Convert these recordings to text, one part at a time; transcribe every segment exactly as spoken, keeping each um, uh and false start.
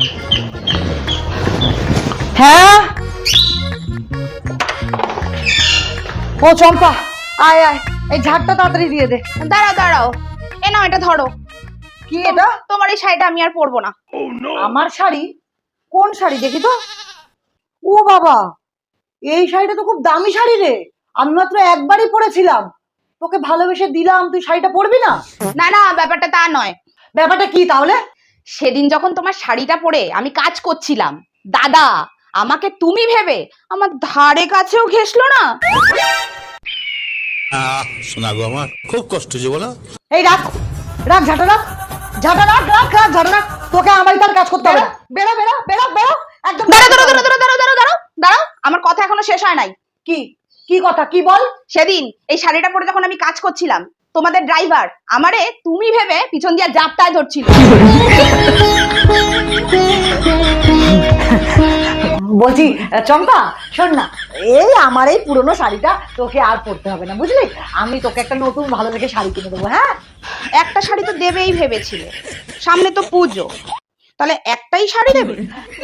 হ্যাঁ ও চম্পা, আয় আয়, এই ঝাড়টা তাড়াতাড়ি দিয়ে দে। দাঁড়াও দাঁড়াও, এ নাও এটা ধরো। কি এটা? তোমার এই শাড়িটা আমি আর পরবো না। আমার শাড়ি? কোন শাড়ি দেখি তো। ও বাবা, এই শাড়িটা তো খুব দামি শাড়ি রে, আমি মাত্র একবারই পরেছিলাম। তোকে ভালোবেসে দিলাম, তুই শাড়িটা পরবি না? না না, ব্যাপারটা তা নয়। ব্যাপারটা কি তাহলে? সেদিন যখন তোমার শাড়িটা পরে আমি কাজ করছিলাম, দাদা আমাকে তুমি ভেবে আমার ধারে কাছেও ঘেসলো না। শোনা গো, আমার খুব কষ্ট হচ্ছে বলো। এই রাখ রাখ ঝাঁটা রাখ, ঝাঁটা রাখ রাখ রাখ ঝাঁটা রাখ, তোকে আমার তার কাজ করতে হবে না। বেরো বেরো বেরো বেরো একদম। দাঁড়াও দাঁড়াও দাঁড়াও দাঁড়াও দাঁড়াও দাঁড়াও দাঁড়াও দাঁড়াও, আমার কথা এখনো শেষ হয় নাই। কি কি কথা, কি বল? সেদিন এই শাড়িটা পরে যখন আমি কাজ করছিলাম, তোমাদের ড্রাইভার আমারে তুমি ভেবে পিছন দিয়ে জাপটায় ধরছিল। বলছি চম্পা, শোন না, এই আমার এই পুরনো শাড়িটা তোকে আর পরতে হবে না, বুঝলি? আমি তোকে একটা নতুন ভালো দেখে শাড়ি কিনে দেবো। হ্যাঁ, একটা শাড়ি তো দেবেই ভেবেছিলে, সামনে তো পুজো, তাহলে একটাই শাড়ি দেবে?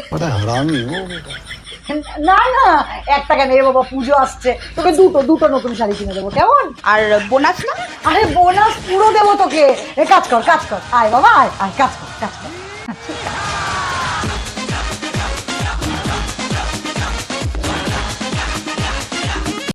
না না, একটা কেন রে বাবা, পুজো আসছে, তোকে দুটো দুটো নতুন শাড়ি কিনে দেবো, কেমন? আর বোনাস না? আরে বোনাস পুরো দেবো তোকে। এ কাজ কর কাজ কর, আয় বাবা আয় আয়, কাজ কর কাজ কর।